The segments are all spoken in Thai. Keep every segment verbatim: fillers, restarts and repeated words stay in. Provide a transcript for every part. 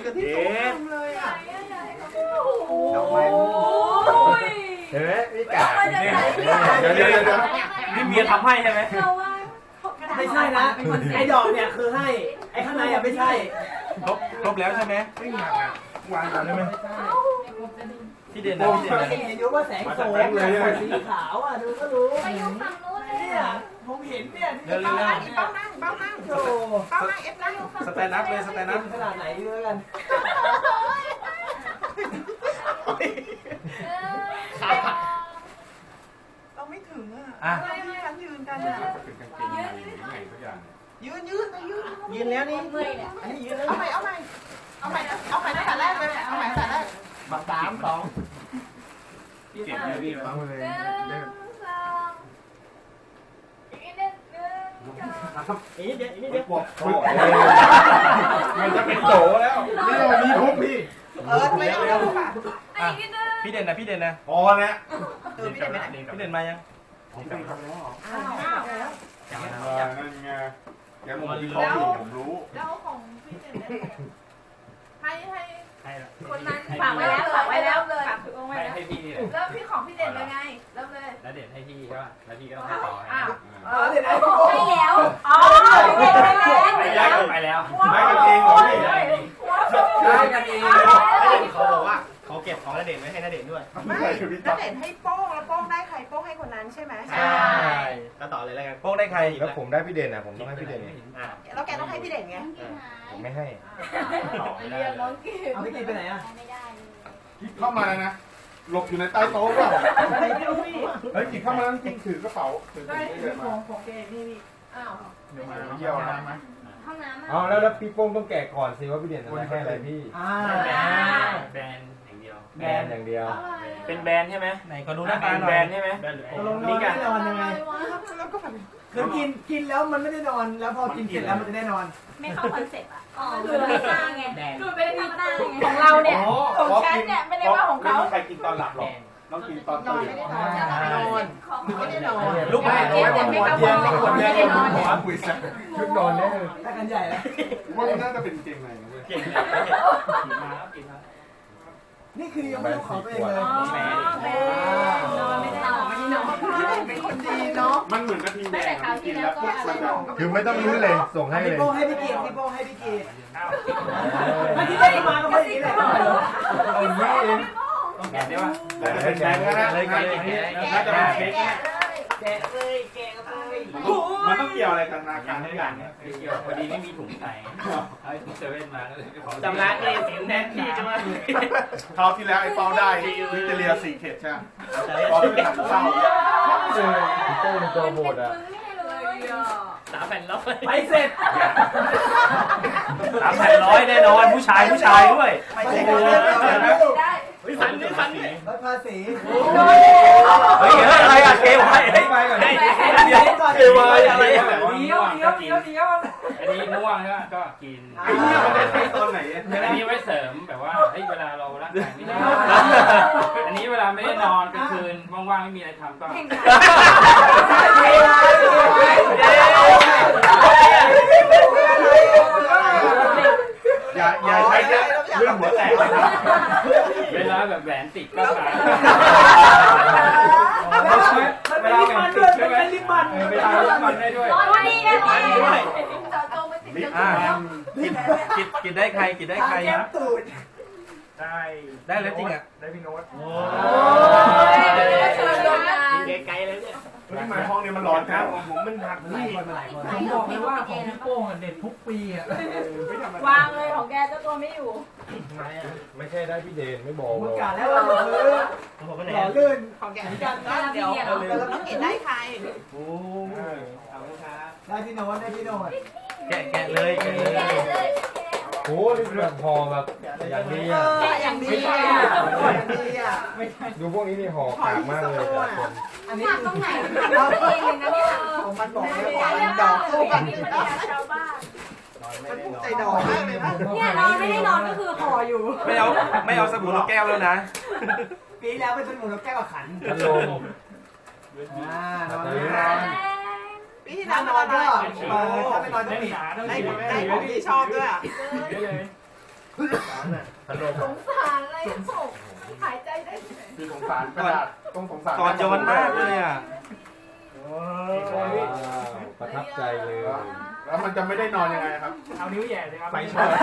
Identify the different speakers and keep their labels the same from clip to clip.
Speaker 1: กับที่สูงเลยอ่ะดอกไม้
Speaker 2: เห็นไหมพี่กา
Speaker 3: เดี๋ยวเดี๋ยวเดี๋ยวนี่เมียทำให้ใช่ไหม
Speaker 4: ไม่ใช่นะไอ้ดอกเนี่ยคือให้ไอ้ข้างในอ่ะไม่ใช่
Speaker 3: ครบครบแล้วใช่ไหม
Speaker 2: ไม่หนักอ่ะวางก่อนได้ไหม
Speaker 3: พี่เด่นนะพี่เด่นนะ
Speaker 4: เห็นอยู่ว่าแสงโสมสีขาวอ่ะดูก็รู้
Speaker 5: ไปอยู่ฝั่งนู้นเลย
Speaker 4: เนี่ยผมเห็นเนี่ย
Speaker 1: เร็วๆเป้านั่งเป้านั่งโชว์เป้านั่งเอฟนั่ง
Speaker 3: สแตนด์อัพเลยสแตนด์อัพ
Speaker 4: ขนาดไหนด้วยกัน
Speaker 1: เราไม่ถึงอ่ะที่ฉันยืนกันอ่ะยืนยืนนะยืน
Speaker 4: ยืนแล้วนี่
Speaker 5: เมื่อยเนี่ย
Speaker 4: อันนี้ยืนแล้ว
Speaker 1: เอาใหม่เอาใหม่เอาใหม่เอาใหม่ตั้งแต่แรกเลยเอาใหม่ตั้งแต่แรก
Speaker 4: บักสามสอง
Speaker 3: เก็บเลยพี่ฟัง
Speaker 5: หนึ่งสองอีกนิดนึง
Speaker 4: อีกนิดเดียวอีกนิดเดียว
Speaker 2: มันจะเป็นโตแล้วนี่เรามีทุกพี่
Speaker 1: เออไม่เอาแล้วป่ะ
Speaker 3: พี่เด่นนะพี่เด่นนะ
Speaker 2: พอแล้ว
Speaker 1: เออพี่เด่นไม่ได้
Speaker 3: พี่เด่นมายัง
Speaker 2: ผมไปทำแล้ว
Speaker 1: อ้าวแล้ว
Speaker 2: นั่นไงแกผมที่เขาอยู่ผมรู้
Speaker 5: แล้วของพี่เด่นให้ให้คนนั้นฝากไว้แล้วฝากไว้แล้วเลยฝากถึงไว้แล้วให้พี่นี่เริ่มพี่ของพี่เด่นเลยไงเริ่มเลย
Speaker 3: แล้วเด่นให้พี่ใช่ป่ะแล้วพี่ก็ต้องให้ต่อ
Speaker 5: อ้าว
Speaker 4: เออเดี๋ยวนะ
Speaker 5: ให้แล้วอ๋อ
Speaker 3: ไปแล้วไปแล้ว
Speaker 2: ไม่กันเองเหรอพี่
Speaker 4: ได้กันเอง
Speaker 3: เขาบอกว่าเขาเก็บของณเดชน์ไว้ให้ณเดชน์ด้วย
Speaker 1: ไม่ณเดชน์ให้โป้งแล้วโป้งได้ใครโป้งให้คนนั้นใช่ไหม
Speaker 3: ใช่ก็ต่อเลยแล้วกันโป้งได้ใคร
Speaker 2: แล้วผมได้พี่เด่นอ่ะผมต้องให้พี่เด่น
Speaker 1: แล้วแกต้องให้พี่เด่นไง
Speaker 2: ผมไม่ให้
Speaker 5: เรียนน้องกิน
Speaker 4: เอาพี่กินไปไหนอ่ะ
Speaker 5: ไม่ได้เลย
Speaker 2: เข้ามาแล้วนะหลบอยู่ในใต้โต๊ะเปล่า
Speaker 4: ไม่รู้พี่
Speaker 2: เฮ้ยกินเข้ามาแล้วจริงถือกระเป๋าถือ
Speaker 4: ได้ของของแกนี่นี่
Speaker 5: อ้าว
Speaker 2: เดี๋ยวมาเยี่ยวนะไหม
Speaker 5: ห้องน้ำ
Speaker 2: อ๋อแล้วแล้วพี่โป้งต้องแกะก่อนสิว่าพี่เด่นจะให้อะไรพี่
Speaker 4: อ่า
Speaker 3: แบรนด์อย่างเดียว
Speaker 2: แบรนด์อย่างเดียว
Speaker 3: เป็นแบรนด์ใช่ไหมไหนก็ดูหน้าตาแบรนด์ใช่ไหม
Speaker 4: ลงนอนไม่นอนยังไง
Speaker 1: แล้วก็แบบ
Speaker 4: คือกินกินแล้วมันไม่ได้นอนแล้วพอกินเสร็จแล้วมันจะได้นอน
Speaker 5: ไม่เข้าคอนเซ็ปต์อ่ะดูไม่ได้ตั้งไงดูไม่ได้ตั้งไงของเราเนี่ยของฉันเนี่ยไม่ได้ว่าของเขา
Speaker 2: ไม่มีใครกินตอนหลับหรอกต้องกินตอนตื่น
Speaker 1: ไม่ได้นอนนอนไม่ได้นอน
Speaker 3: ลูกแม่
Speaker 4: เจี๊ยบ
Speaker 3: ไม่เข้าคอนเซ็ปต์คนไม่ได้นอน
Speaker 2: หัวคุยสักชุดนอนเนี่ย
Speaker 4: ถ้ากันใหญ่แล้ว
Speaker 2: ว่ามันน่าจะเป็นเกงในนะเว้ย
Speaker 3: เก่งเลยกินมาแล้วกินมา
Speaker 4: นี่คือยังไม่ต้องขอตัวเองเลย
Speaker 5: นอนไม่ได้นอนไม่ได้นอน
Speaker 1: เป็นคนดีเนาะ
Speaker 2: มันเหมือนกระทิงแดงกินแล้วพวกมันจะ
Speaker 6: คือไม่ต้องรู้เลยส่งให้เลย
Speaker 4: พี่โป้ให้พี่กีดพี่โป้ให้พี่กีดมาที่ได้มาก็ไม่ดีเลย
Speaker 3: เอางี้เองต้องแกะได้ป่ะ
Speaker 2: แต่เป็นแดงนะ
Speaker 3: เลยแกะ
Speaker 2: น่าจะเป็นเค้ก
Speaker 4: แกะเลยแกะเลย
Speaker 2: มันต้องเกี่ยวอะไรกันนาการทุกอย่างเนี่ย
Speaker 3: เกี่ยวพอดีไม่มีถุงใส่เอาถุงเซเว่นมาก็เลยจำร้านเองสินแทนที่ใช่ไหม
Speaker 2: คราวที่แล้วไอ้เปาได้วิจเรียสี่เขตใช่ไหมเปาเป็นหนังเศร้า
Speaker 6: เออพี่โป้เป็นตัวโหดอ่ะ
Speaker 3: สามแผ่นร้อย
Speaker 4: ไปเสร็จ
Speaker 3: สามแผ่นร้อยแน่นอนผู้ชายผู้ชายด้วย
Speaker 1: ไปเสร็จ
Speaker 5: ได้
Speaker 3: วิสันวิสันนี่
Speaker 4: รถภาษี
Speaker 3: เฮ้ยอะไรอะเกวายให้ไปก่อนเดี๋ยวเกวายอะไรอะ
Speaker 4: เดี๋ยวเดี๋ยวเดี๋ยวเดี๋ยว
Speaker 3: อันนี้ม่วงใช่ไหมก็กิน
Speaker 2: ไอ้เนี่ยมันจะใช้ตอนไหน
Speaker 3: อันนี้ไว้เสริมแบบว่าเฮ้ยเวลาเราร่างกายไม่ได้อันนี้เวลาไม่ได้นอนกลางคืนว่างๆไม่มีอะไรทำก็
Speaker 2: อย่าอย่าใช้เรื่องหัวแตกเลยนะ
Speaker 3: เวลาแบบแหวนติดก็ขาย
Speaker 4: เวลาแหวนติดใช่ไหมลิปมัน
Speaker 3: เวลาลิปมันได้ด้วย
Speaker 5: นอนดีนะนอนดีด้วยจอดจงไม่ติดจ
Speaker 3: กินกินกินได้ใครกินได้ใคร
Speaker 4: นะตูด
Speaker 3: ได้ได้แล้วจริงอ่ะ
Speaker 2: ได้พี่โน้ต
Speaker 5: โอ้ยเชิญลงมา
Speaker 3: ไกลๆเลยเนี่ย
Speaker 2: นี่มาห้องนี้มันร้อนครับผมมันหักนี่
Speaker 4: ผมบอกเลยว่าของพี่โป้งเด็ดทุกปีอ่ะ
Speaker 5: วางเลยของแกเจ้าตัวไม่อยู่
Speaker 6: ไม่ใช่ได้พี่เดนไม่บอก
Speaker 4: ป
Speaker 6: หรอก
Speaker 4: ระกาศแล้วว่าเออหล่อลื่น
Speaker 1: ของแกกันเดี๋ยวเราต้องเห็นได้ใคร
Speaker 3: โอ้เอาเลยครับ
Speaker 4: ได้พี่โน้ตได้พี่โน้ต
Speaker 3: แกะแกะเลยแกะเลย
Speaker 6: โอ้นี่แบบห่อแบบอย่างดีอ่ะ
Speaker 1: อย่างดีอ่ะอย่างดีอ่ะ
Speaker 6: ดูพวกนี้นี่ห่อกากมากเลย
Speaker 5: อันนี้ตรงไหนเราเองเลยนะเนี่ย
Speaker 1: ผมมันบอกเลยว่ามันดอกคู่กัน
Speaker 5: ชาวบ้าน
Speaker 1: มันภูมิใจดอกมากเลยนะ
Speaker 5: เนี่ยนอนไม่ได้นอนก็คือห่ออยู่
Speaker 3: ไม่เอาไม่เอาสบู่นกแก้วแล้วนะ
Speaker 4: ปีแล้วเป็นสมุนแล้วแก้วขัน
Speaker 6: พัดลม
Speaker 4: อ่านอนนอน
Speaker 1: พี่ที่นอนนอนก็
Speaker 4: เออถ้าไม่นอนจะปิด
Speaker 1: ได้ได้ของที่ชอบด้วยอ่ะ
Speaker 4: น่ะ
Speaker 6: พัดลม
Speaker 5: สงสารอะไรโศกหายใจได้ที่ไหน
Speaker 2: คือสงสารกระดาษต้องสงสาร
Speaker 7: ก่อนโยนมากเลยอ่ะ
Speaker 6: ว้าวประทับใจเลย
Speaker 2: แล้วมันจะไม่ได้นอนยังไงครับ
Speaker 3: เอานิ้วแหย่เลยครับ
Speaker 2: ไปช็อต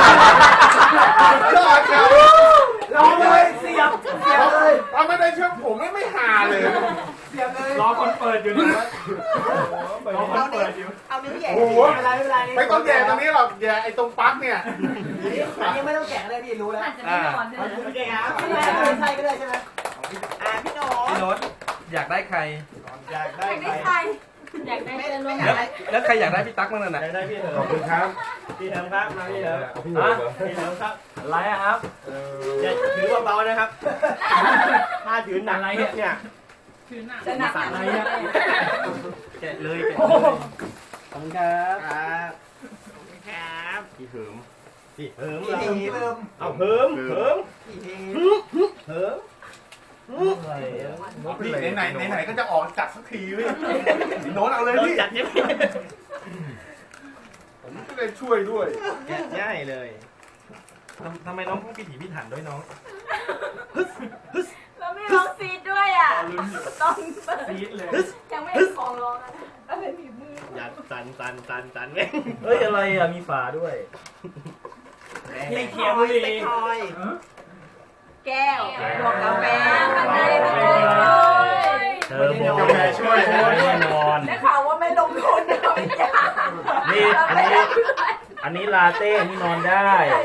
Speaker 4: ลองเลยเสียบเสียบเลย
Speaker 2: เอาไม่ได้เชื่อผมไม่ไม่หาเลย
Speaker 4: เสียบเลย
Speaker 3: รอคนเปิดอยู่นะรอคนเปิดอยู่
Speaker 1: เอานิ้วแหย่
Speaker 2: โอ้โห
Speaker 4: ไม่เป็นไรไม่เป็นไร
Speaker 2: ไม่ต้องแย่ตรงนี้หรอกแย่ไอ้ตรงปลั๊กเนี่ย
Speaker 4: อันนี้ไม่ต้องแกะเลยพี่รู้แล้ว
Speaker 5: อาจจะไม่นอนด้วยนะ
Speaker 4: โอเคครับไม่ใช่ก็ได้ใช่ไหม
Speaker 1: อ่าพี่โน้
Speaker 7: พี่โน้ตอยากได้ใคร
Speaker 4: อยากได้
Speaker 5: อยาก
Speaker 4: ใคร
Speaker 5: ได้ใครอยากได้เพื่อนร่วม
Speaker 7: แล้ว
Speaker 5: งาน
Speaker 7: แล้วใครอยากได้พี่ตั๊กมั่งน่ะ
Speaker 4: อยากได้พี่เถิ
Speaker 6: ขอบคุณครับ
Speaker 4: พี่เถิมครับมาพี่เถิม
Speaker 6: เอาพี่เหรอ
Speaker 4: พี่เถิมครับอะไรอะครับอย่าถือเบาๆนะครับถ้าถือหนักอะไรเนี่ย
Speaker 5: จะหนัก
Speaker 4: อะไรอะ
Speaker 7: แกะเลยแกะ
Speaker 4: ขอบ
Speaker 7: เลย
Speaker 4: คุณครับครับครับพี่เถิมพี่เถิมเราเอาเถิมเถิมเถิมอะไรอะ
Speaker 2: นี่ไหนไหนไหนๆก็จะออกจัดสักทีเว้ยโน้ตเอาเลย
Speaker 4: โดน
Speaker 2: พี่
Speaker 4: จัดยังไง
Speaker 2: ผมจะได้ช่วยด้วย
Speaker 4: แกะง่ายเลย
Speaker 7: ทำทำไมน้องพูดพิถีพิถันด้วยน้อง
Speaker 5: แล้วไม่ร้องซีดด้วยอ่ะต้องเปิด
Speaker 3: ซีดเลย
Speaker 5: ยังไม่ได้ขอร้องนะอะไรหนีมือ
Speaker 4: อย่าตันตันตันตันไงเฮ้ยอะไรอ่ะมีฝาด้วย
Speaker 3: นี่เคียวบุรี
Speaker 1: เป็นทอย
Speaker 5: แก้วบวกกาแฟข้างในมันเลย
Speaker 4: เธอบอก
Speaker 2: กาแฟช่วย
Speaker 4: แน่นอน
Speaker 5: ได้ข่าวว่าไม่ลงทุนนะไม่ยาก
Speaker 4: นี่อันนี้อันนี้ลาเต้นี่นอนได้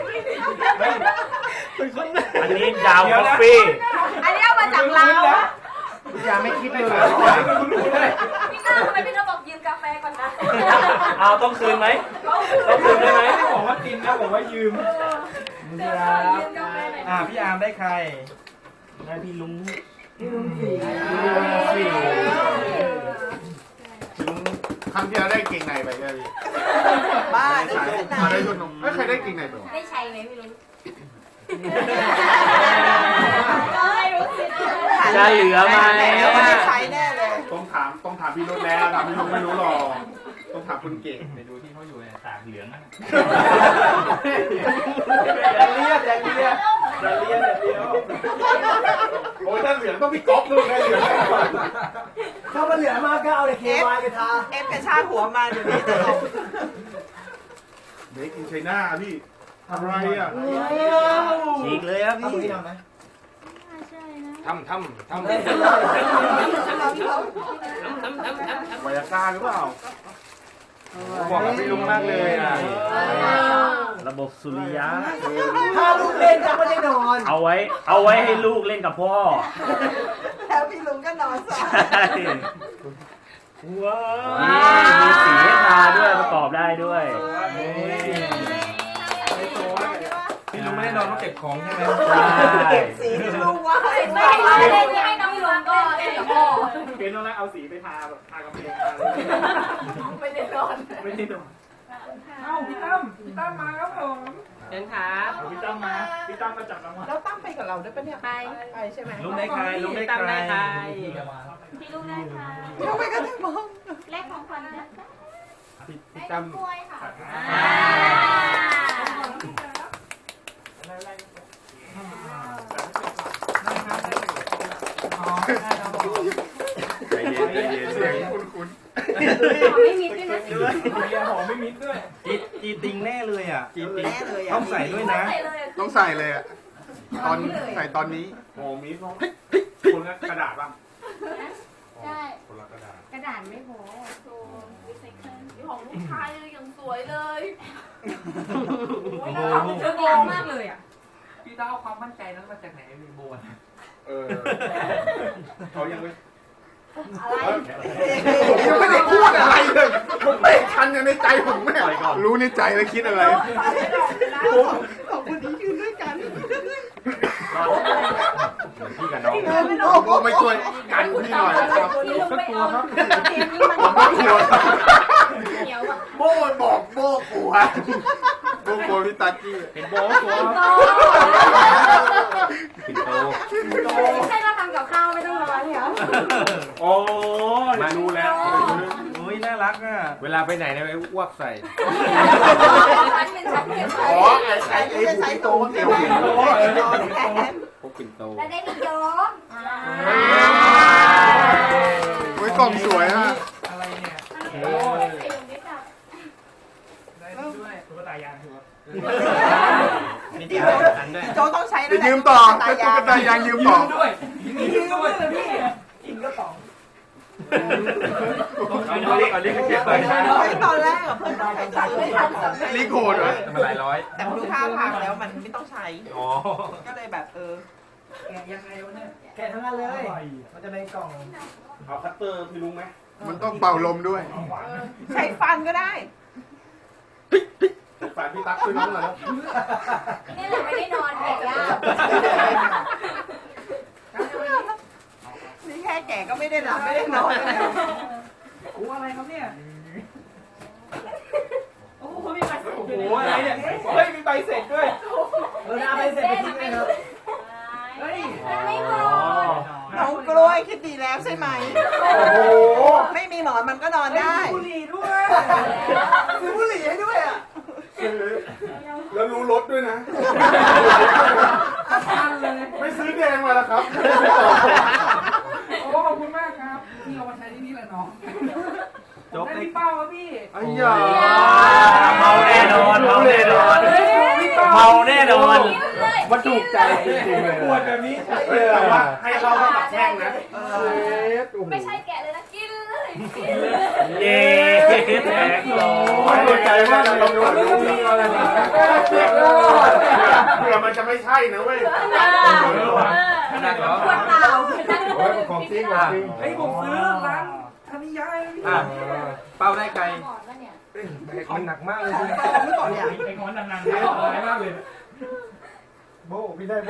Speaker 4: อันนี้ดาวคอฟฟี่
Speaker 5: อันนี้เอามาจากเราว
Speaker 2: อย่าไม่คิดเลย
Speaker 5: พี่น้าทำไมพี่น้าบอกยืมกาแฟก่อนนะ
Speaker 4: เอาต้องคืนไหมต้องคืนได้ไหม
Speaker 3: ไม่บอกว่ากินนะบอกว่ายืม
Speaker 5: เดี๋ยวขอยืมกาแฟหน่อย
Speaker 7: อ่าพี่อาร์มได้ใคร
Speaker 4: ได้พี่ลุง
Speaker 7: สี่
Speaker 2: ครั้งที่เราได้เก่งในไปใช่ไหม
Speaker 1: บ้า
Speaker 2: ได้
Speaker 1: ได้
Speaker 2: ใช้มาได้ชุดนมไม่ใครได้เก่งในไป
Speaker 5: ได้ใช้ไหมไม่รู้ไม่รู้สิ
Speaker 4: จะเหลือไหม
Speaker 1: แล้วไม่ได้ใช้แน่เลย
Speaker 2: ต้องถามต้องถามพี่รุ่นแล้วถามพี่รุ่นไม่รู้หรอกต้องถามคุณเก่ง
Speaker 3: ไปดูที่เขาอยู่เนี่ยตากเหลืองนะ
Speaker 4: อย่าเรียกอย่าเรียกอย่าเรียกอย่าเรียก
Speaker 2: โอ้ยถ้าเหลืองต้องพี่ก๊อฟด้วยนะเหลือง
Speaker 4: ถ้ามันเหลือมากก็เอาเลยเควายไปทา
Speaker 1: เอฟกระชากหัวมาเดี๋ยวนี้ตลก
Speaker 2: เด็กกินไชน่าพี่อะไรอ่ะ
Speaker 4: ฉีกเลยครับพี่
Speaker 7: ทำทำทำ
Speaker 2: วายาก้าหรือเปล่า
Speaker 7: บอกกับพี่ลุงมากเลยอ่ะ
Speaker 4: ระบบสุริยะ
Speaker 1: ถ้าลูกเล่นจะไม่ได้นอน
Speaker 4: เอาไว้ เอาไว้ให้ลูกเล่นกับพ่อ
Speaker 1: แล้วพี่ลุงก็นอนสอน
Speaker 4: ว้าวมีสีให้ทาด้วยประกอบได้ด้วย
Speaker 7: พี่ลุงไม่ได้นอนต้องเก็บของใช่ไหม
Speaker 4: ใช่
Speaker 1: เก็บสีที่ลูกว่า
Speaker 5: ไม่ให้เล่นให้น้องลุงก็เล่นกับพ่อ
Speaker 3: เป็นต้องเอาสีไปทาแบบทากำแพง
Speaker 5: ไม่ได้นอน
Speaker 3: ไม่ได้ดูเอ้าพี่ตั้มพี่ตั้มมาครับผม
Speaker 1: เชิญครับ
Speaker 3: พี่ตั้มมาพี่ตั้มมาจับรางวัล
Speaker 1: แล้วตั้งไปกับเราด้วยปะเนี่ย
Speaker 5: ไป
Speaker 1: ไปใช่ไหม
Speaker 7: ลุงได้ใครลุงได้ใคร
Speaker 5: พี่ลุงได้ค่ะ
Speaker 1: ทำไมก็ถึงมอง
Speaker 5: แลกของขวัญได้
Speaker 7: พี่ตั้ม
Speaker 5: กล้วยค่ะ
Speaker 2: ใจเย็นใจเย็นเสียงคุณคุณ
Speaker 5: ไม่มีด้วยนะ
Speaker 3: เบียร์หอมไม่มิดด้วย
Speaker 7: จีจีติงแน่เลยอ่ะจีติง
Speaker 1: แน่เลยอ่ะ
Speaker 7: ต้องใส่ด้วยนะ
Speaker 5: ใส่เลย
Speaker 2: ต้องใส่เลยอ่ะตอนใส่ตอนนี้โอ้มีดคุณกระดาษป่ะ
Speaker 5: ใช่
Speaker 2: คนละกระดาษ
Speaker 5: กระดาษไม่พอโซนรีไซเคิลของลูกชายเลยอย่างสวยเลย
Speaker 7: โอ้โห
Speaker 5: เธอเก่งมากเลยอ่ะ
Speaker 3: พี่ตั้มเอาความมั่นใจนั้นมาจากไหนมีโบน
Speaker 2: เออเขายังไม่
Speaker 5: อะไร
Speaker 2: ผมยังไม่ได้พูดอะไรเลยผมไม่ทันในใจผมแม่รู้ในใจแล้วคิดอะไร
Speaker 1: สองคนนี้ยืนด้วยกัน
Speaker 7: พี่กับน้อง
Speaker 2: โอ้ไม่ช่วยกันพี่หน่อยนะครับ
Speaker 5: ก็กลัวครับ
Speaker 2: ผมก็กลัว
Speaker 5: เหนียวอ่ะ
Speaker 2: โบ้บอกโบ้กลัวโบ้กลัวพี่ตากี้
Speaker 4: เป็นโบสตัว
Speaker 7: ปิ่นโต
Speaker 5: ไม่ใช่เราทำกับข้าวไม่ต้องร้อนเหรอ
Speaker 2: โอ้ยรู้แล้ว
Speaker 7: โอ้ยน่ารักอ่ะ
Speaker 6: เวลาไปไหนเนี่ยไปอ้วกใส่
Speaker 5: ฉันเป็นฉันเก็บไว้
Speaker 2: อ๋อไอ้ไอ้ไอ้ใช้โตเตียวโตแทน
Speaker 6: พวกปิ่นโต
Speaker 5: แล้วได้พี่โจ๊ก
Speaker 2: ไว้กล่องสวยฮะ
Speaker 3: อะไรเนี่ย
Speaker 5: โอ้ยใส่ลงได้จ้ะ
Speaker 3: ได้ด้วยตุ๊กตายางถือว่า
Speaker 4: มีที่หันด้วย
Speaker 1: โจต้องใช้
Speaker 2: จะยืมต่อเป็นตุ๊กตายางยืมต่อ
Speaker 3: ด้วยยืมด้วยเลยพี่กินก็ต่อ
Speaker 6: เอาเรียกเอาเรียกเก็บไป
Speaker 1: ใช้ตอนแรกอะเพื่อนต้องใช้ตังค์ไม่ทันสำเร็จ
Speaker 2: รีโคดเหรอ
Speaker 6: มันหลายร้อย
Speaker 1: แต่พอดูท่าทางแล้วมันไม่ต้องใช้
Speaker 6: อ๋อ
Speaker 1: ก็เลยแบบเออ
Speaker 3: แกะยังไงวะเนี่ย
Speaker 4: แกะทั้งนั้นเลย มันจะในกล่อง
Speaker 6: เอาคัตเตอร์พี่ลุงไหม
Speaker 2: มันต้องเป่าลมด้วย
Speaker 1: ใช้ฟันก็ได้
Speaker 2: ฝากพี่ตั๊กช่วยน้องหน่อยนะ
Speaker 5: นี่แหละไม่ได้นอนแกะยาก
Speaker 1: นี่แค่แก่ก็ไม่ได้หลับไม่ได้นอนเลย
Speaker 3: โอ้อะไรครับเนี่ยโอ้โหมีใบเสร็จโอ้โหอะไรเนี่ยเฮ้ยมีใบเสร็จด้วย
Speaker 4: เออเอาไปเสร็จไปทิ้งเลยครับ
Speaker 3: เฮ้ย
Speaker 5: ไม่พอ
Speaker 1: น้องกล้วยคิดดีแล้วใช่ไหม
Speaker 2: โอ้โห
Speaker 1: ไม่มีหมอนมันก็นอนได้
Speaker 3: บุหรี่ด้วย
Speaker 1: ซื้อบุหรี่ให้ด้วยอ่ะ
Speaker 2: แล้วรู้รถด้วยนะ
Speaker 3: ทันเลย
Speaker 2: ไม่ซื้อแดงมาแล้วครับ
Speaker 3: โอ้ขอบคุณมากครับที่เอามาใช้ที่นี่แหละน้อง
Speaker 7: จบ
Speaker 3: ได้
Speaker 7: เลย
Speaker 3: พี่เป้าครับพี่
Speaker 2: ไอ้ยา
Speaker 4: เมาแน่นอนเมาแน่นอน เมาแน่นอน
Speaker 6: มันถูกใจจริงๆเลย
Speaker 3: ปวดแบบนี้
Speaker 2: เฮ้ยแต่ว่าให้เราเข้ากับแช่งนะ
Speaker 5: ไม่ใช่แกะเลยนะกินเลยกินเลย
Speaker 4: เย้แตกโล
Speaker 2: ไม่สนใจมากเลยเราไม่ต้องมีอะไรนะเผื่อมันจะไม่ใช่นะเว้ย
Speaker 5: ขนาดเหรอขวดเปล่า
Speaker 6: โอ้ยของจริงของจริง
Speaker 3: ไอ้ผมซื้อร้านธนิยายพี่
Speaker 7: อ่ะเป้าได้ไกล
Speaker 5: หมอนวะเนี่ย
Speaker 6: มันหนักมากเลย
Speaker 1: ไม่ก่อนเนี่ย
Speaker 3: ไอ้งอนนานๆเนี่ยอะไรมากเลย
Speaker 6: โบพี่ได้โบ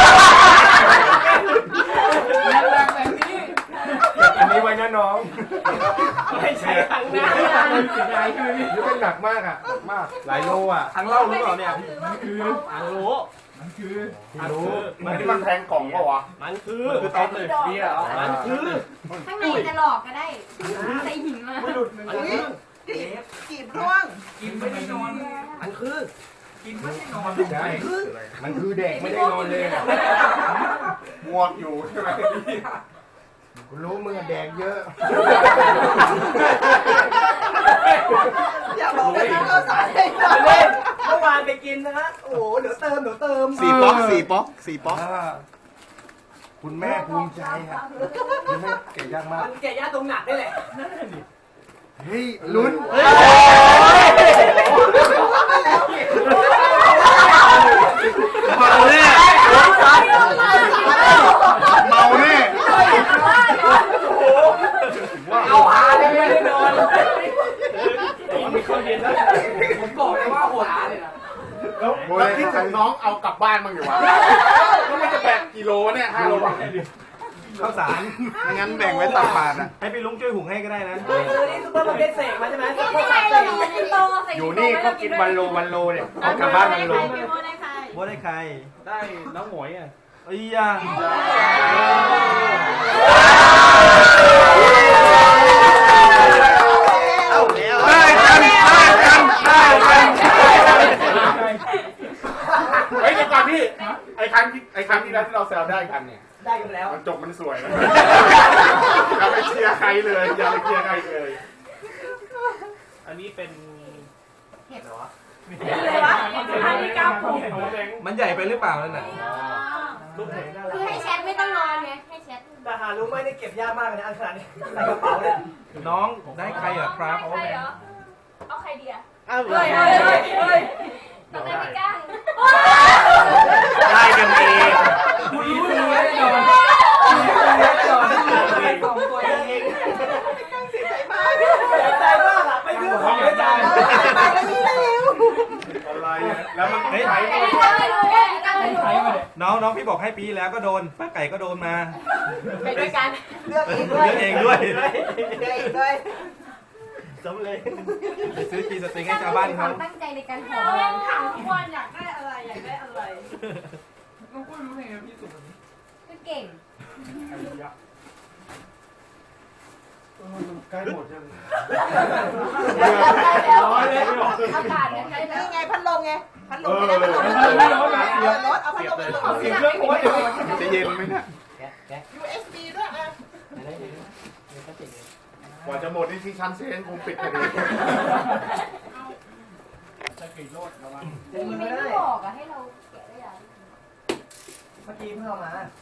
Speaker 3: แรงแบบนี้
Speaker 6: อันนี้ไว้นะน้อง
Speaker 4: ไม่ใช่ทางหน้า
Speaker 3: เสียดายใช่ไหมพี่
Speaker 6: นี่เป็นหนักมากอ่ะมากหลายโลอ่ะ
Speaker 7: ทั้งเล่าหรือเปล่าเนี่ย
Speaker 3: มันคือ
Speaker 4: อังรู้
Speaker 3: มันคือ
Speaker 6: รู้
Speaker 2: มันที่มันแทงกล่องปะวะ
Speaker 4: มันคือ
Speaker 6: คือตอนเลยเบียร์
Speaker 4: มันคือ
Speaker 5: ข้างในจะหลอกก็ได้ใส่หินมา
Speaker 4: มันคือ
Speaker 1: กีบกีบร่วง
Speaker 3: กินไม่ได้นอน
Speaker 4: มันคือ
Speaker 3: กินไม่ได้นอน
Speaker 6: ใช่มันคือเด็กไม่ได้นอนเลย
Speaker 2: ง่วงอยู่ใช่ไหม
Speaker 6: กูรู้มึงแดกเยอะ
Speaker 1: อย่าบอกว่าที่เราสายเลย
Speaker 4: เล่นเมื่อวานไปกินนะฮะโอ้โหเดี๋ยวเติมเดี๋ยวเติม
Speaker 2: สี่ป๊อกสี่ป๊อกสี่ป๊อก
Speaker 6: คุณแม่ภูมิใจอ่ะคุณแม่เก่งยากมาก
Speaker 4: มันแก่ย่าตรงหนักได้แหละ
Speaker 6: เฮ้ยลุ้น
Speaker 2: เมาแน่เมาแน่
Speaker 4: เอาหาเลยไม่ได้นอน
Speaker 3: มีข้าวเย็นแล้วผมบอกเลยว่าโหดเลยนะ
Speaker 2: แล้วแล้วที่ถึงน้องเอากลับบ้านมั้งอยู่วะแล้วมันจะแบกกิโลเนี่ยห้าโล
Speaker 7: ข้าวสาร
Speaker 2: ไม่งั้นแบ่งไว้ตักบาทอ่ะ
Speaker 7: ให้พี่ลุงช่วยหุงให้ก็ได้นะ
Speaker 4: เออนี่ซุปเปอร์มาร์เก็ตเสกมาใช่ไหมซุปเปอ
Speaker 5: ไม่
Speaker 4: ร์
Speaker 5: ใช่
Speaker 4: มาร์
Speaker 5: เรา
Speaker 4: เก็ต
Speaker 5: กินโตใส่
Speaker 6: อยู่นี่ก็กินวันโลวันโลเนี่ยเอากลับบ้านวันโล
Speaker 5: พี่โมได้ใคร
Speaker 7: ว่าได้ใคร
Speaker 3: ได้น้องหมวยอ่ะ
Speaker 7: เอ้ยยา
Speaker 4: เอาแล้ว
Speaker 2: ได้กันได้กันได้กันเฮ้ยเดี๋ยวก่อนพี่ไอ้ครั้งที่ไอ้ครั้งที่แล้วที่เราแซวได้กันเนี่ย
Speaker 4: ได้กันแล้ว
Speaker 2: มันจบมันสวย อย่าไปเชียร์ใครเลยอย่าไปเชียร์ใครเลย
Speaker 3: อันนี้เป็น
Speaker 5: เลยวะอันนี้กำผม
Speaker 7: มันใหญ่ไปหรือเปล่านั่นน่ะ
Speaker 4: ลูกเพลงน่ารั
Speaker 5: คือก ให้แชทไม่ต้องนอนไงให้แชท
Speaker 4: แต่หารู้ไหมได้เก็บยากมากเลยนะอันขนาดนี้ใส่กระเป๋าเนี่ย
Speaker 7: น้องได้ใครเหรอครับ
Speaker 5: ใครเหรอเอาใครดีอะ
Speaker 4: อ้าว
Speaker 5: เฮ้ยเฮ้ยเฮ้ยเฮ้ยต้องได้พี่ก้าง
Speaker 4: ได้กันเอง
Speaker 3: คุยคุยไว้ก่อนคุยไว้ก่อนสองตัวเอง
Speaker 1: เสียใจมาก
Speaker 4: ใจมากอะไม่ซื้อของไม่จ่าย
Speaker 1: ไปแล้วนี่แล้ว
Speaker 2: อะไรอะแล้วมัน
Speaker 7: เฮ้ย
Speaker 2: ใช้
Speaker 5: พี่ก้างไม่รู้เลยพี่ก้างไม่รู้
Speaker 3: ใช้มาเลย
Speaker 7: น้องน้องพี่บอกให้ปีแล้วก็โดนป้าไก่ก็โดนมา
Speaker 5: ไปด้วยกัน
Speaker 1: เลือกเองด้วย
Speaker 7: เลือกเองด้วย
Speaker 1: เลือกเองด้วย
Speaker 4: สำเลย
Speaker 7: ไปซื้อกีสตริงให้ชาวบ้านเขา
Speaker 5: ตั้งใจในการหอ
Speaker 1: เล่
Speaker 5: ม
Speaker 1: นถามทุกวันอยากได้อะไรอยากได้อะไร
Speaker 3: น้องกุ้ยรู้ไงพี่สุดแบบนี้
Speaker 5: ก็เก่ง
Speaker 2: ใกล้หมดยัง
Speaker 5: ร้อยเลยอากาศยังไง
Speaker 1: นี่
Speaker 5: แล้ว
Speaker 1: ไงพัดลมไงพัดลมไม่ได้พัดลมไม่ได้รถเอาพัดลมไปลง
Speaker 6: เสียบเครื่องโอ้ยจะเย็นไหมเนี่ย
Speaker 1: ยู เอส บี ด้วยอ่ะ
Speaker 2: กว่าจะหมดนี่ที่ชั้นเซนคงปิดพอดี
Speaker 5: มีไม่ได้บอกอะให้เราแกะได้ยัง
Speaker 4: เมื่อกี้เพิ่งเอามา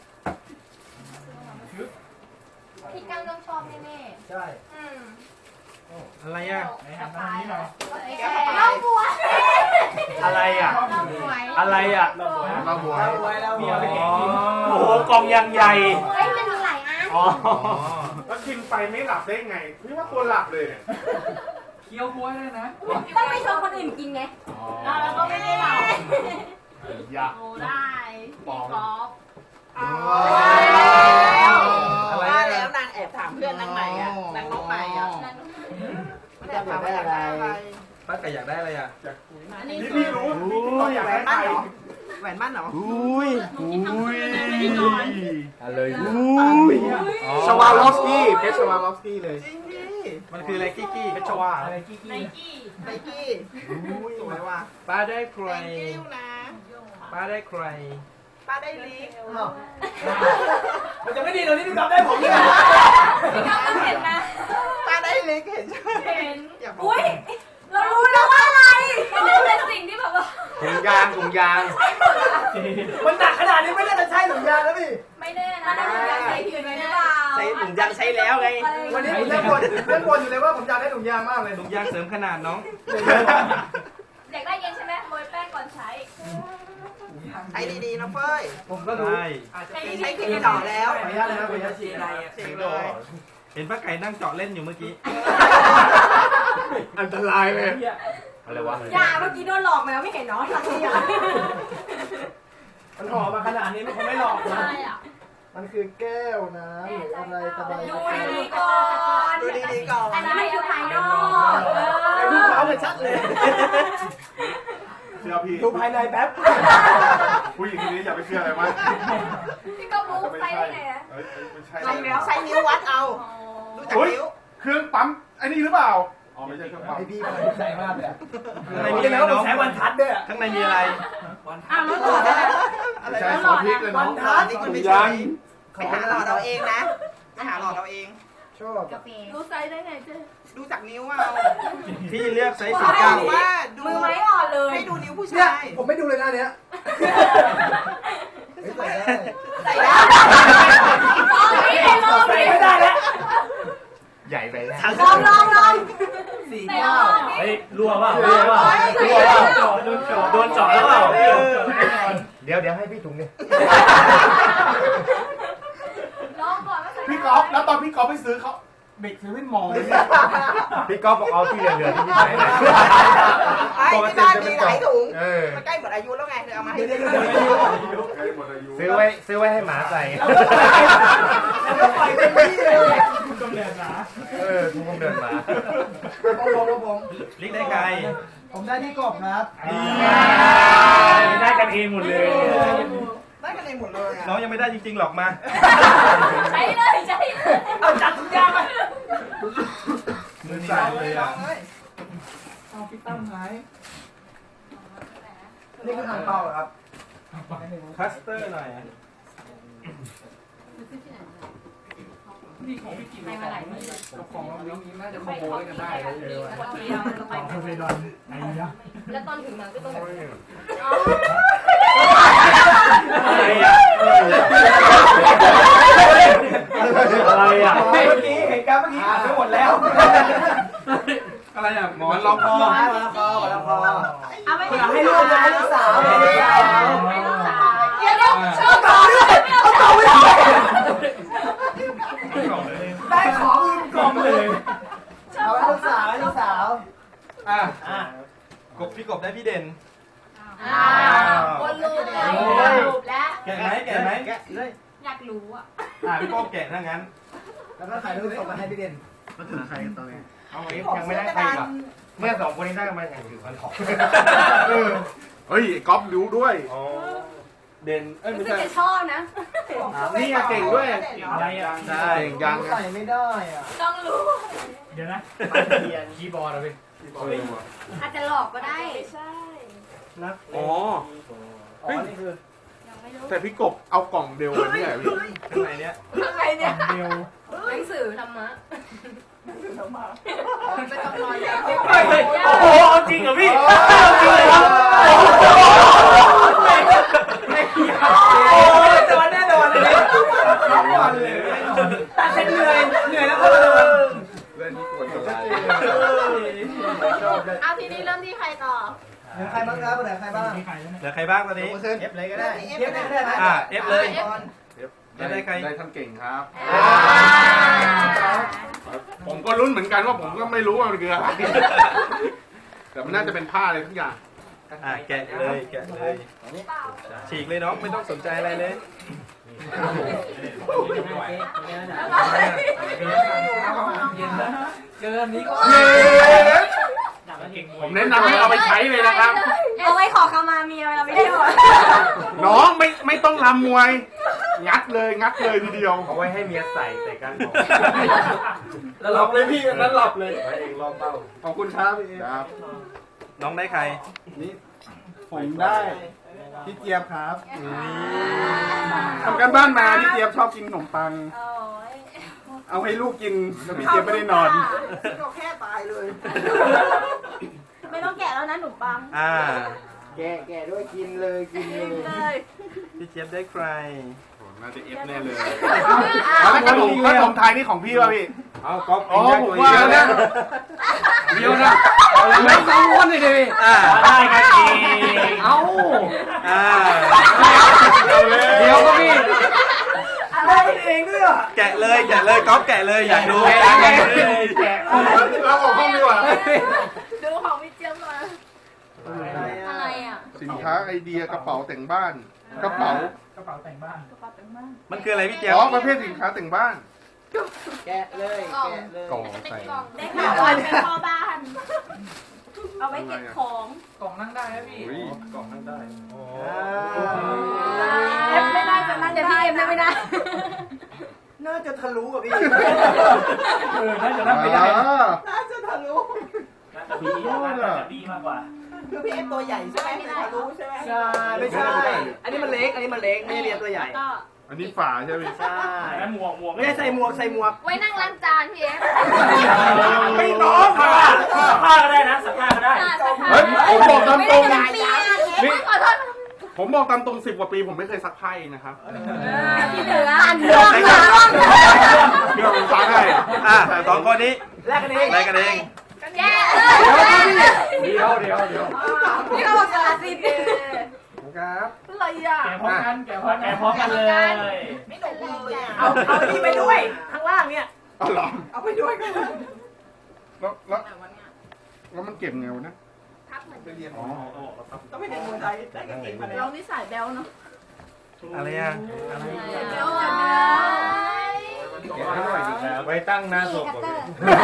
Speaker 5: พี่กั้งต้องชอบแน่
Speaker 4: ใช่
Speaker 5: ๆอืม
Speaker 7: อะไรอ่ะ
Speaker 5: สบายเหรอน้องบัว
Speaker 4: อะไรอ่ะ
Speaker 5: น้องบัว
Speaker 4: อะไรอ่ะ
Speaker 2: เราบวย
Speaker 4: ไว้แล้ว
Speaker 7: มีอะไรแกะกิน
Speaker 4: โอ้โหกล่องยังใหญ่
Speaker 5: เฮ้ยมันมีหลายอัน
Speaker 4: อ๋อ
Speaker 2: แล้วกินไปไม่หลับได้ไงพี่ว่าตัวหลับเลยเนี่ย
Speaker 7: เคี้ยวกล้วยด้วยนะ
Speaker 5: ต้องไม่ชวนคนอื่นกินไงแล้วก็ไม่ได้เรา
Speaker 2: อยาก
Speaker 5: โอ้ได้พี่กอล์ฟ
Speaker 1: ว่าแล้วนางแอบถามเพื่อนนางใหม่อ่ะนางน้องใหม่อ่ะมันจะถามว่าอยากได้อะไร
Speaker 7: ป้าไก่อยากได้อะไรอ่ะ
Speaker 5: อันนี้
Speaker 2: นี่
Speaker 5: คือ
Speaker 2: พี่รู้พี่ต้องอยากได้ใคร
Speaker 1: แหวนมั่นเหรอ
Speaker 6: อุ้ยอุ้ย
Speaker 4: อะไร
Speaker 6: อุ้ยชวาลอฟสกี้เพชรชวาลอฟสกี้เลย
Speaker 1: จริงดิ
Speaker 7: มันคืออะไรกี้กี้เพชรวา
Speaker 4: อะไรกี้
Speaker 5: ไน
Speaker 4: กี้
Speaker 5: กี้
Speaker 1: ไนกี้สวยว่ะ
Speaker 4: ป้าได้ใคร
Speaker 1: thank you นะ
Speaker 4: ป้าได้ใคร
Speaker 1: ป้าได้ลิฟต์
Speaker 4: มันจะไม่ดีตรงที่พี่ก๊อฟได้ผมนี่ไง
Speaker 5: พี่กอล์ฟต้องเห็นนะ
Speaker 1: ป้าได้ลิฟต์เห็นใช่ไหม
Speaker 5: เห็น
Speaker 1: อย่าบอก
Speaker 5: อุ้ยเรารู้แล้วว่าอะไรมันเป็นสิ่งที่แบบว่า
Speaker 6: ถุงยางถุงยาง
Speaker 4: มันหนักขนาดนี้ไม่น่าจะใช่ถุงยางแล้วพี่
Speaker 5: ไม่แน่นะมันอยากใส่ผิดไหมหรือเปล่า
Speaker 4: ใช้ถุงยางใช้แล้วไง วันนี้ผมยังบ่นยังบ่นอยู่เลยว่าผมอยากได้ถุงยางมากเลย
Speaker 7: ถุงยางเสริมขนาดน้อง
Speaker 5: อยากได้เย็นใช่ไหมโรยแป้งก่อนใช้
Speaker 1: ใช้ดีๆนะเฟ้ย
Speaker 4: ผมก็รู้
Speaker 7: ใช่
Speaker 4: อาจจะ
Speaker 5: ใช้
Speaker 4: เป็น
Speaker 5: ดี
Speaker 1: ใช้
Speaker 5: ๆ
Speaker 1: ครีมจ่อแล้ว
Speaker 4: ขออนุญาตเลยนะขออนุญาตฉีดอะไรอ่ะ
Speaker 1: เช็คเลย
Speaker 7: เห็นป้าไก่นั่งเจาะเล่นอยู่เมื่อกี้
Speaker 2: อันตรายเลย
Speaker 6: อะไรวะ
Speaker 5: อย่าเมื่อกี้โดนหลอกมาแล้วไม่เห็นเนาะหลังนี้อ่ะ
Speaker 4: มันห่อมาขนาดนี้มันคงไม่หลอกนะ
Speaker 5: ใช่อ่ะ
Speaker 4: มันคือแก้วน้ำหรืออะไรตะไบ
Speaker 5: ดูดีๆก่อน
Speaker 1: ดูดีๆก่อน
Speaker 5: อันนี้มันคือภายนอกเอ
Speaker 4: ไอ้
Speaker 5: อ
Speaker 4: ลูกค้าเนี่ยชัดเลย
Speaker 2: เชื่อพี่
Speaker 4: ดูภายในแป๊บ
Speaker 2: ผู้หญิงคนนี้อย่าไปเชื่ออะไรวะ
Speaker 5: พี่ก็รู้
Speaker 2: จะไม่
Speaker 5: ไป
Speaker 2: ใช่
Speaker 5: ได้ไงอะ
Speaker 2: เอ้ยไม่ใช่
Speaker 1: ใช้ใช้นิ้ววัดเอาดูจาก
Speaker 2: เฮ้ย
Speaker 1: นิ้ว
Speaker 2: เครื่องปั๊มไอ้นี่หรือเปล่าอ๋อไม่ใช่เครื่องปั๊ม
Speaker 4: ไอพี่มันใส่มากเลย
Speaker 7: ข้างใน
Speaker 4: ไม่
Speaker 7: มี
Speaker 4: ใช่
Speaker 7: อะไร
Speaker 4: แล้ว
Speaker 7: น้อง
Speaker 4: ใช้วันทัดด้วย
Speaker 7: ข้างในมีอะไร
Speaker 5: อ้าวแล้วต่อได้
Speaker 2: ไม่ใช่ซอสพริกเลย
Speaker 4: วั
Speaker 2: น้อน ง
Speaker 4: ทัด
Speaker 1: นี่ก็ไม่ใช่ไปหาหลอดเราเองนะไปหาหลอดเราเอง
Speaker 4: ชอบ
Speaker 5: กาแฟรู้ไซส์ได้ไงเจ๊
Speaker 1: ดูจากนิ้วเอา
Speaker 7: พี่เลือกไซส์
Speaker 1: บ
Speaker 7: สี่เก้า
Speaker 1: อกว่าดู
Speaker 5: มือไม้อ่อนเลย
Speaker 1: ให้ดูนิ้วผู้
Speaker 4: เนี่ย
Speaker 1: ชาย
Speaker 4: ผมไม่ดูเลยนะเนี้ยใส่ได้
Speaker 1: ใส่ได้
Speaker 5: ลองดิลองดิ
Speaker 4: ไม่ได้แล้ว
Speaker 6: ใหญ่ไปแล้ว
Speaker 5: ลองลองลอง
Speaker 4: สี่
Speaker 5: ไหนล
Speaker 4: เก้า
Speaker 5: องดิ
Speaker 4: เฮ้ยรัวเปล่ารัวเปล่ารัวเปล่าโดนเจาะโดนเจาะแล้วเปล่า
Speaker 6: เดี๋ยวเดี๋ยวให้พี่ถุงเนี่ย
Speaker 5: ลองก่อนว่าใส่
Speaker 2: พี่ก๊อฟแล้วตอนพี่ก๊อฟไปซื้อเขา
Speaker 4: เด็กซื้อไม่มองเลย
Speaker 6: พี่ก๊อฟบอกเอาที่เหลือๆที่พี่ใส่นะ
Speaker 1: ไอ้ที่บ้านมีหลายถุง
Speaker 6: เออ
Speaker 1: มันใกล้หมดอายุแล้วไงเธอเอามาให้
Speaker 4: เดี๋ยว
Speaker 1: ดู
Speaker 4: เดี๋ยวเดี๋ยว
Speaker 2: ใกล้หมดอายุ
Speaker 6: ซื้อไว้ซื้อไว้ให้หมาใส่
Speaker 4: แล้วก็ปล่อยเต็มที่เลย
Speaker 6: เออทุกคนเดินมา
Speaker 4: ผมผมผมผม
Speaker 7: ลิกได้ไกล
Speaker 4: ผมได้ที่กบครับ
Speaker 7: ได้กันเองหมดเลย
Speaker 1: ได้กันเองหมดเลยอ่ะ
Speaker 7: น้องยังไม่ได้จริงๆหรอกมา
Speaker 5: ใช้เลยใช้เลย
Speaker 4: เอาจัดทุกอย่างไป
Speaker 7: มือสั่นเลยอ่ะ
Speaker 4: เอาพี่ตั้มหายนี่คือทางเป้าเหรอครับ
Speaker 7: คัสเตอร์หน่อย
Speaker 5: ไปมาหลายมือ
Speaker 4: ของเรานี้น่าจะคอมโบด้วยกันได้เลย
Speaker 5: คนเดียวเราไป
Speaker 4: ของเฟรดอนไอ้เนี่ย
Speaker 5: แล้วตอนถึงนั้นก็ต้องแบบ
Speaker 7: อะไรอ่ะ
Speaker 6: อะไรอ่ะ
Speaker 4: เมื่อกี้เหตุการณ์เมื่อกี้อ่านไปหมดแล้ว
Speaker 7: อะไรอ่ะหมอนรองคอ
Speaker 4: มาแล้วพอมาแล้วพอ
Speaker 5: เอาไป
Speaker 4: ให้ลูกนะให้ลูกสาวให้ลูกสาว
Speaker 5: ให้ลูกสาวเดี๋ยวเดี๋ยวชอบก่อน
Speaker 4: เอาเต่าไปเลยได้ของอื่นกล่องเลยเอาให้ลูกสาวให้ลูกสาว
Speaker 7: อ่ะ
Speaker 4: อ่ะ
Speaker 7: กบพี่กบได้พี่เด่น
Speaker 5: อ้าววนลูปแล้ววนลูปแล้ว
Speaker 7: แกะไหมแกะไหม
Speaker 4: แกะเลย
Speaker 5: อยากรู้อ่ะ
Speaker 7: อ่ะพี่โป้แกะถ้างั้น
Speaker 4: แล้วก็ถ่ายรูปส่งมาให้พี่เด่น
Speaker 6: มาถึงใครกันตอนนี้เอาไว้
Speaker 1: ผม
Speaker 6: ยังไม่
Speaker 1: ซื้อ
Speaker 6: ได้
Speaker 1: กระ
Speaker 6: ใคร
Speaker 1: ดาน
Speaker 6: ก่อนเมื่อสองคนนี้ได้กันมาอย่างถือพันของ
Speaker 2: เออเฮ้ยก๊อฟรู้ด้วย
Speaker 6: อ๋อ
Speaker 7: เด่นเอ้ย
Speaker 5: รู้
Speaker 7: ไม่
Speaker 5: สึก
Speaker 7: ใช่
Speaker 5: จะชอบนะ
Speaker 2: นี่เก่งด้วย
Speaker 3: อะไรอ่ะ
Speaker 4: ใช่
Speaker 2: เก่งยัง
Speaker 6: ใส่ไม่ได้อ่ะ
Speaker 5: ต้องรู้
Speaker 3: เดี๋ยวนะคีย์บอร์ดอะพี่
Speaker 5: อาจจะหลอกก็ได้ใช่
Speaker 6: นัก
Speaker 2: อ๋อ
Speaker 6: อ๋อนี่คือ
Speaker 5: ยังไม่รู้
Speaker 2: แต่พี่กบเอากล่องเดียวกันเนี่ยพี่
Speaker 7: ข้างในเนี้ย
Speaker 5: อะไรเนี่ย
Speaker 3: เดียว
Speaker 5: หนังสือธรรมะเป็นคำนอยแล้ว
Speaker 3: โอ้โหเอาจริงเหรอพี่
Speaker 4: จริงเหรอ
Speaker 6: โอ้ยโดนแน่นอนเลยทั้งวันเลยตัดเส้นเหนื่อยเหนื่อยแล้วก็โดน
Speaker 2: เล่นที่กวนอะไร
Speaker 5: เอาทีนี้เริ่มที่ใครต่อ
Speaker 6: เหลือใครบ้างครับเหลือใครบ้าง
Speaker 7: เหลือใครบ้างตอนนี้
Speaker 4: เอฟเลยก็ได้
Speaker 6: เทียบได้ก็ได้ไหม
Speaker 7: อ่า F เลย
Speaker 2: ได้ได้ใครได้ท่านเก่งครับ
Speaker 5: อ่า
Speaker 2: ผมก็ลุ้นเหมือนกันว่าผมก็ไม่รู้ว่ามันคืออะไรแต่มันน่าจะเป็นผ้าอะไรทุกอย่าง
Speaker 7: อ่าแกะเลยแกะเลยฉีกเลยน้องไม่ต้องสนใจอะไรเลย
Speaker 6: เกินนี้ก็
Speaker 2: ผมแนะนำให้เอาไปใช้เลยนะครับ
Speaker 5: เอาไว้ขอขมาเมียเวลาไม่ได้หมด
Speaker 2: น้องไม่ไม่ต้องรำมวย งัดเลยงัดเลยทีเดียว
Speaker 4: เอาไว้ให้เมียใส่ใส่กันของ
Speaker 6: แล้วหลับเลยพี่นั้นหลับเลย
Speaker 4: ไว้เองรอบเป้า
Speaker 2: ขอบคุณครับพี่ครับ
Speaker 7: น้องได้ใคร
Speaker 2: นี่ผมได้พี่เจี๊ยบครับทำกันบ้านมาพี่เจี๊ยบชอบกินขนมปัง
Speaker 5: โอ้ย
Speaker 2: เอาให้ลูกกินแล้วพี่เจี๊ยบไม่ได้นอน
Speaker 1: ก็แค่ตายเลย
Speaker 5: ไม่ต้องแกะแล้วนะหนุ่มปัง
Speaker 7: อ่า
Speaker 6: แกะแกะด้วยกินเลยกินเลย
Speaker 5: เลย
Speaker 7: พี่เจี๊ยบได้ใคร
Speaker 2: น่าจะเอฟแน่เลยแล้วขนมขนมไทยนี่ของพี่ป่ะพี่
Speaker 4: เอาก๊อฟ
Speaker 2: อ๋อผมว่านะเดียวนะ
Speaker 6: ไม่สองคนเลยดิ
Speaker 7: อ่า
Speaker 3: ได้กันอีก
Speaker 6: เอา
Speaker 7: อ่า
Speaker 6: เดี๋ยวก็พี่อะไรเองด้วยอ่ะ
Speaker 7: แกะเลยแกะเลยก๊อฟแกะเลยอยากดู
Speaker 6: แกะ
Speaker 7: แกะ
Speaker 6: แกะ
Speaker 7: เลย
Speaker 6: แกะ
Speaker 2: เราออกห้องดีกว่า
Speaker 5: ดูของพี่เจี๊ยบมาอะไรอ่ะ
Speaker 2: สินค้าไอเดียกระเป๋าแต่งบ้านกระเป๋าก
Speaker 3: ระเป๋าแต่งบ้าน
Speaker 5: กระเป๋าเต็มบ้าน
Speaker 7: มันคืออะไรพี่เจี๊ยบ
Speaker 2: อ๋อประเภทสินค้าแต่งบ้าน
Speaker 6: แกะเลย
Speaker 5: กล่อง
Speaker 6: แกะเลย
Speaker 2: กล่องใส่
Speaker 5: ได้ข่าวว่าเป็นพ่อบ้าน เอาไว้เก็บของ
Speaker 3: กล่องนั่งได้นะพี่
Speaker 2: อุ้ย
Speaker 4: กล่องนั่งได้
Speaker 5: เอฟไม่ได้จะนั่งแต่พี่เอฟนั่งไม่ได้
Speaker 6: น่าจะทะลุอ่ะพี่
Speaker 3: เออน่าจะนั่งไม่ได้
Speaker 2: อ่า
Speaker 1: น่าจะทะลุ
Speaker 3: น่าจะบีน่าจะบีมากกว่า
Speaker 1: คือพี่เอฟตัวใหญ่ใช่ไหมถึงทะลุใช่ไหม
Speaker 6: ใช่ไม่ใช่ อันนี้มันเล็ก อันนี้มันเล็ก ไม่ได้เรียนตัวใหญ่
Speaker 5: ก็
Speaker 2: อันนี้ฝาใช่ไหม
Speaker 6: ใช่
Speaker 3: แล้วหมวกหมวก
Speaker 6: ไม่ได้ใส่หมวกใส่หมวก
Speaker 5: ไว้นั่งล้างจานพี่เอฟ
Speaker 2: ไม่น้อง
Speaker 3: ผ้า
Speaker 2: ค่ะ
Speaker 3: ผ้าก็ได้นะสักผ้าก็ได้
Speaker 2: เฮ้ยผมบอกตามตรง
Speaker 5: ไม่ได้ปีขอโทษ
Speaker 2: ผมบอกตามตรงสิบกว่าปีผมไม่เคยซักผ้าเองนะครับ
Speaker 5: ที่เหนืออ่านเรื่องเหรอ
Speaker 2: เดี๋ยวผมซักให้
Speaker 7: อ่าสองคนนี้
Speaker 6: แลกกันเอง
Speaker 7: ได้กันเอง
Speaker 5: แย่
Speaker 6: เดี๋ยวเดี๋ยวเดี๋ยว
Speaker 5: พี่เขาบอกสารสิทธิ์
Speaker 6: ครับ
Speaker 5: อะไรอ่ะ
Speaker 3: แกะพร้อมกันแกะพร้อมกันแกะพร้อมกันเลย
Speaker 1: ไม่หนุกเลยอ่ะ
Speaker 6: เอาเอานี่ไปด้วย ข้างล่างเนี่ย
Speaker 2: เอาเหรอ
Speaker 1: เอาไปด้วยกันเลย
Speaker 2: แล้วแล้วแล้วมันเก็บไงวะนะ
Speaker 5: ทับเหมือน
Speaker 2: ไปเรียนอ๋อ
Speaker 1: ต้องไปเรียนมวยไทยได้กันเก่งมาแล้ว
Speaker 5: เรานี่สายแบลเนาะ
Speaker 7: อะไรอ่ะ
Speaker 5: แบลจังเลย
Speaker 4: เก็บให้หน่อยดีครับไว้ตั้งหน้าศพก่อนพี่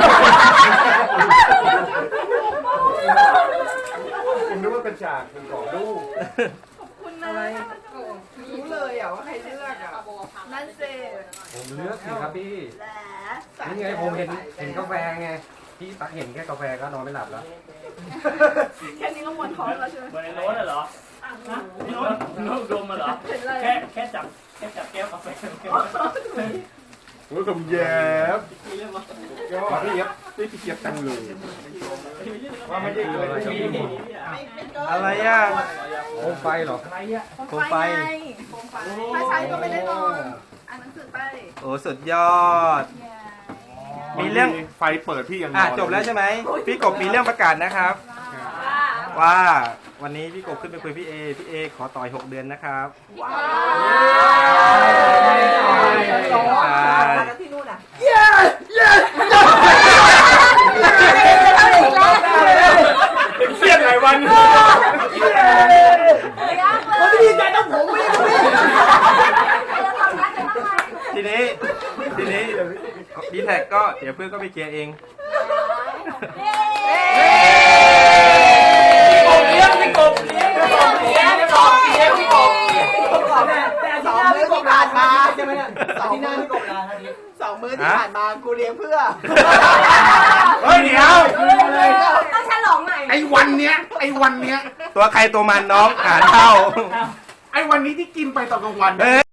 Speaker 4: ผมนึกว่าเป็นฉากเป็นกรอบรูป
Speaker 5: คุณนะ
Speaker 1: รู้เลยอ่ะว่าใครเลือกอ่ะ
Speaker 5: นั่นเซ
Speaker 4: ผมเลือกสิครับพี่
Speaker 5: แหละ
Speaker 4: นี่ไงผมเห็นเห็นกาแฟไงพี่ตักเห็นแค่กาแฟก็นอนไม่หลับแล้ว
Speaker 5: แค่นี้ก็หมดท้องแล้วใช่ไหม
Speaker 3: เหมือนในโน้ตเหรอโน้ตโน้ตดมมาเหรอ แค่แค่จับแค่จับแก้วกาแฟ
Speaker 2: โอ้ยผมแย้ม
Speaker 3: มีเรื่องมา
Speaker 2: ขอพี่เย็บพี่พี่เจี๊ยบจังเลย
Speaker 4: ว่าไม่ได้เกิดอะไรกับพี่
Speaker 7: อะไรอ่ะ
Speaker 4: โคมไฟเหรอ
Speaker 3: อะไรอ่ะ
Speaker 7: โคมไฟ
Speaker 5: โคมไฟถ้าใช้ก็ไม่ได้นอนอ่านหนังสือไป
Speaker 7: โอ้สุดยอด มีเรื่อง
Speaker 2: ไฟเปิดพี่ยังน
Speaker 7: อ่ะ
Speaker 2: อน
Speaker 7: จบแล้วใช่ไหมพี่กบมีเรื่องประกาศนะครับ ว่าวันนี้พี่กบขึ้นไปคุยพี่เอพี่เอขอต่อยหกเดือนนะครับ
Speaker 1: ว้า
Speaker 7: ใช่
Speaker 1: วแล้วที่นู่นอ่ะ
Speaker 2: เครียดหลายวัน
Speaker 6: คนที่ดีใจต้องผมไม่ได้พี่
Speaker 7: ทีนี้ทีนี้ดีแท็กก็เดี๋ยวเพื่อนก็ไปเคลียร์เอง
Speaker 3: เลี้ยงพี่กบเลี้ยงพี่กบเลี้ยงพี่กบเลี้ยงพี่กบ
Speaker 1: แต่สองมื้อที่ผ่านมาที่ผ่านมากูเลี้ยงเพื่อ
Speaker 2: เฮ้ยเดี๋ยว
Speaker 5: ต้องฉลองหน่อย
Speaker 2: ไอ้วันเนี้ยไอ้วันเนี้ย
Speaker 7: ตัวใครตัวมันน้องหารเท่า
Speaker 2: ไอ้วันนี้ที่กินไปตอนกลางวัน
Speaker 7: เอ้ย